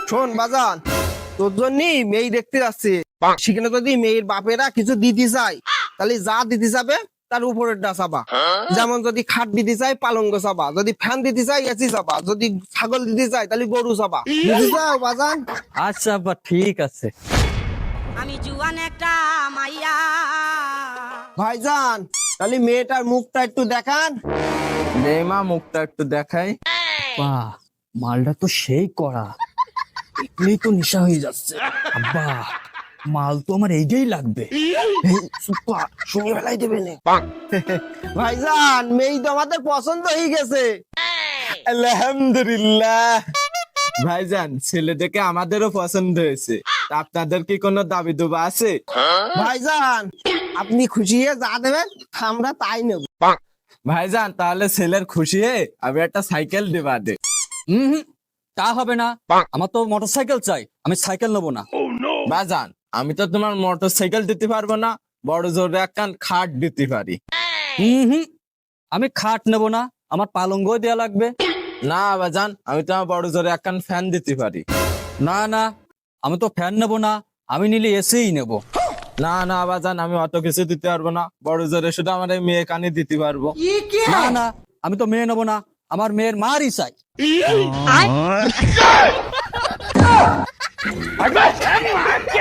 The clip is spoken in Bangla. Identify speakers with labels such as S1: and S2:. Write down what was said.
S1: শোন বাজান, তোর জন্যই মেয়ে দেখতে যাচ্ছে। সেখানে যদি মেয়ের বাপেরা কিছু দিতে চায়, তাহলে যা দিতে যাবে তার উপরেরটা চাবা। যেমন যদি খাট দিতে চাই পালঙ্গ চাবা, যদি ফ্যান দিতে চাই এসি চাবা, যদি ছাগল দিতে চাই তাহলে গরু চাবা। বুঝতে চাও বাজান?
S2: আচ্ছা আব্বা, ঠিক আছে।
S3: আমি জুয়ান একটা মাইয়া।
S1: ভাইজান, তাহলে মেয়েটার মুখটা একটু দেখান।
S4: নে মা, মুখটা একটু দেখাই।
S2: বাহ, মালটা তো সেই করা, এগুলোই তো নেশা হয়ে যাচ্ছে। আব্বা, মাল তো আমার এইটাই লাগবে।
S1: শুনে বেলাই দেবে না। ভাইজান, মেয়ে তো আমাদের পছন্দ হয়ে গেছে।
S4: আলহামদুলিল্লাহ। ভাইজান, ছেলে দেখে আমাদেরও পছন্দ হয়েছে। তা আপনাদের কি কোনো দাবি দুবা আছে?
S1: ভাইজান, আপনি খুশি হয়ে যা দেবেন আমরা তাই নেব।
S4: ভাইজান, তাহলে ছেলের খুশি হয়ে আমি একটা সাইকেল দিবা দে।
S2: হুম, তা হবে না। আমার তো মোটর সাইকেল চাই, আমি সাইকেল নেবো না।
S4: ভাইজান, আমি তো তোমার মোটর সাইকেল দিতে পারবো না, বড় জোরে একখান খাট দিতে পারি।
S2: হুম, আমি খাট নেবো না, আমার পালঙ্গ দেয়া লাগবে।
S4: না ভাইজান, আমি তোমার বড় জোরে একখান ফ্যান দিতে পারি।
S2: না না, আমি তো ফ্যান নেবো না, আমি নিলে এসেই নেবো।
S4: না না ভাইজান, আমি অত কিছু দিতে পারবো না, বড় জোরে শুধু আমার এই মেয়ে কানে দিতে পারবো।
S2: না না, আমি তো মেয়ে নেবো না, আমার মেয়ের মারই চাই।
S3: আয়